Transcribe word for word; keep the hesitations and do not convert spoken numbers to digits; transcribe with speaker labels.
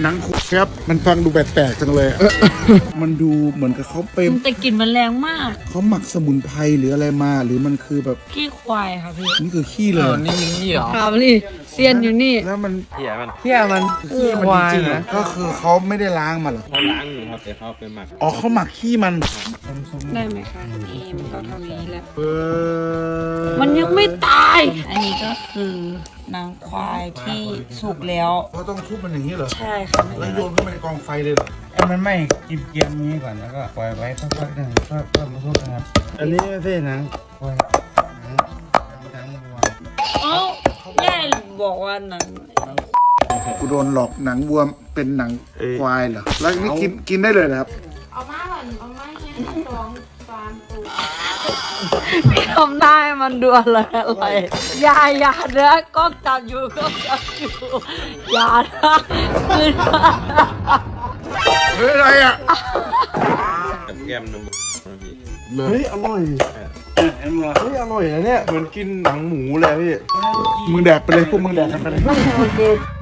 Speaker 1: หนังคุครับมันฟังดูแปลกๆจังเลยมันดูเหมือนกับเขาเป็น
Speaker 2: แต่กลิ่นมันแรงมาก
Speaker 1: เขาหมักสมุนไพรหรืออะไรมาหรือมันคือแบบ
Speaker 2: ขี้ควายค่ะพี่
Speaker 1: นี่คือขี้เลย
Speaker 3: นี่มีขี้เหรอ
Speaker 2: ครับนี่เซียนอยู่นี่
Speaker 1: แล้วมัน
Speaker 3: เหี้ยมัน
Speaker 4: เที่ยมัน
Speaker 1: ขี้มันจริงๆนะก็คือเขาไม่ได้ล้างมันหรอ
Speaker 3: เขาล้างอยู่ครับแต่เขาเป็นหมัก
Speaker 1: อ๋อเขาหมักขี้มัน
Speaker 2: ได้ไหมคะนี่มันก็เท่านี้แหละ
Speaker 1: เออ
Speaker 2: มันยังไม่ตายอันนี้ก็คือหนังควายที่สุกแล้ว
Speaker 1: เขาต้องทุบมันอย่างนี้เหรอ
Speaker 2: ใช่ค่ะ
Speaker 1: แล้วโยนเข้าไปในกองไฟเลยเหรอ
Speaker 4: ให้มันไม่กินเกียมนี้ก่อนแล้วก็ปล่อยไว้สักๆหนึ่งก็ก็มาทุบนะครับอันนี้ไม่ใช่หนังควายหนังหนังวัว
Speaker 2: เอ้าแม่บอกว่าหนัง
Speaker 1: กูโดนหลอกหนังวัวเป็นหนังควายเหรอแล้วนี่กินกินได้เลยนะครับ
Speaker 5: เอามาก่อนเอามาให้สองสามตัว
Speaker 2: พี่ทำได้มันดูอะไรอะไรอย่าอย่าเด้อก็จับอยู่ก็จับอยู่อย่านะคือ
Speaker 1: เฮ้ยอะไรอ่ะ
Speaker 3: กับแก้มนม
Speaker 4: เฮ้ยอร่อยเฮ้ยอร่อยนะเนี่ยเหมือนกินหนังหมูเลยพี่
Speaker 1: มึงแดกไปเลยพวกมึงแดกกันไปเลย